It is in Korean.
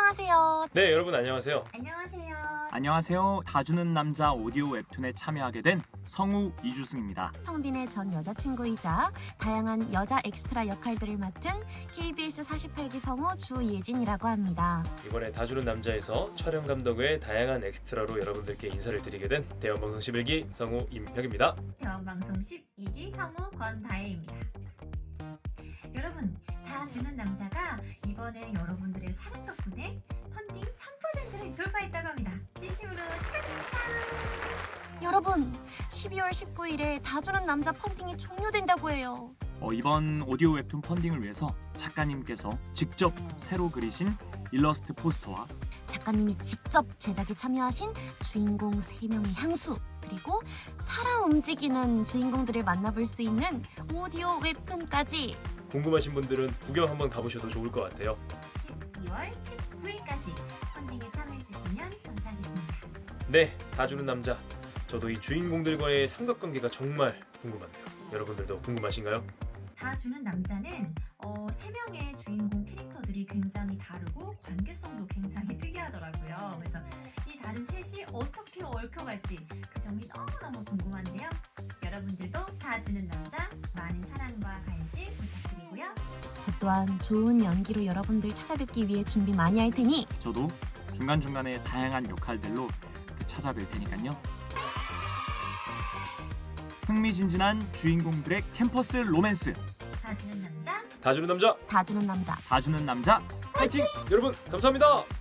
안녕하세요. 네, 여러분 안녕하세요. 안녕하세요. 안녕하세요. 다주는 남자 오디오 웹툰에 참여하게 된 성우 이주승입니다. 성빈의 전 여자친구이자 다양한 여자 엑스트라 역할들을 맡은 KBS 48기 성우 주예진이라고 합니다. 이번에 다주는 남자에서 촬영 감독의 다양한 엑스트라로 여러분들께 인사를 드리게 된 대원방송 11기 성우 임혁입니다. 대원방송 12기 성우 권다혜입니다. 여러분, 다 주는 남자가 이번에 여러분들의 사랑 덕분에 펀딩 1000%를 돌파했다고 합니다. 진심으로 축하드립니다. 여러분, 12월 19일에 다주는 남자 펀딩이 종료된다고 해요. 이번 오디오 웹툰 펀딩을 위해서 작가님께서 직접 새로 그리신 일러스트 포스터와 작가님이 직접 제작에 참여하신 주인공 3명의 향수, 그리고 살아 움직이는 주인공들을 만나볼 수 있는 오디오 웹툰까지 궁금하신 분들은 구경 한번 가보셔도 좋을 것 같아요. 12월 19일까지 펀딩에 참여해주시면 감사하겠습니다. 네, 다주는 남자. 저도 이 주인공들과의 삼각관계가 정말 궁금합니다. 여러분들도 궁금하신가요? 다 주는 남자는 3명의 주인공 캐릭터들이 굉장히 다르고 관계성도 굉장히 특이하더라고요. 그래서 이 다른 셋이 어떻게 얽혀갈지 그 점이 너무너무 궁금한데요. 여러분들도 다 주는 남자 많은 사랑과 관심 부탁드리고요. 저 또한 좋은 연기로 여러분들 찾아뵙기 위해 준비 많이 할 테니 저도 중간중간에 다양한 역할들로 찾아뵐 테니까요. 흥미진진한 주인공들의 캠퍼스 로맨스 다 주는 남자 다주는 남자 다주는 남자 다주는 남자 파이팅! 여러분 감사합니다.